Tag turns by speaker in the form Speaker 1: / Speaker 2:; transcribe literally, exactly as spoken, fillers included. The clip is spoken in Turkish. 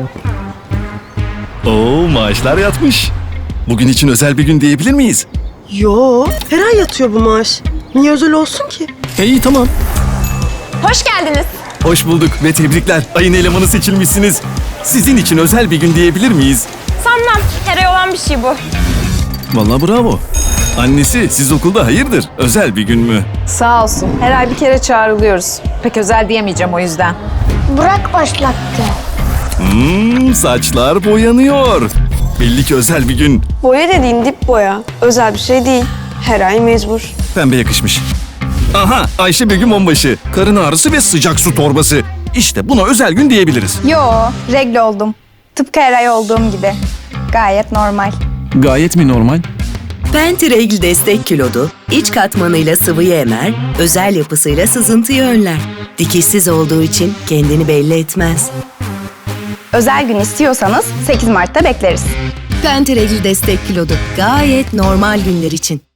Speaker 1: Oo, maaşlar yatmış. Bugün için özel bir gün diyebilir miyiz?
Speaker 2: Yo, her ay yatıyor bu maaş. Niye özel olsun ki?
Speaker 1: E, iyi tamam.
Speaker 3: Hoş geldiniz.
Speaker 1: Hoş bulduk ve tebrikler. Ayın elemanı seçilmişsiniz. Sizin için özel bir gün diyebilir miyiz?
Speaker 3: Sanmam. Her ay olan bir şey bu.
Speaker 1: Vallahi bravo. Annesi, siz okulda hayırdır? Özel bir gün mü?
Speaker 4: Sağ olsun. Her ay bir kere çağrılıyoruz. Pek özel diyemeyeceğim o yüzden.
Speaker 5: Burak başlattı.
Speaker 1: Hmm, saçlar boyanıyor. Belli ki özel bir gün.
Speaker 2: Boya dediğin dip boya. Özel bir şey değil. Her ay mecbur.
Speaker 1: Pembe yakışmış. Aha, Ayşe Begüm onbaşı. Karın ağrısı ve sıcak su torbası. İşte buna özel gün diyebiliriz.
Speaker 6: Yo, regle oldum. Tıpkı her ay olduğum gibi. Gayet normal.
Speaker 1: Gayet mi normal?
Speaker 7: Pentiregl destek kilodu, iç katmanıyla sıvıyı emer, özel yapısıyla sızıntıyı önler. Dikişsiz olduğu için kendini belli etmez.
Speaker 6: Özel gün istiyorsanız sekiz Mart'ta bekleriz.
Speaker 7: Pentiregl destek kilodu, gayet normal günler için.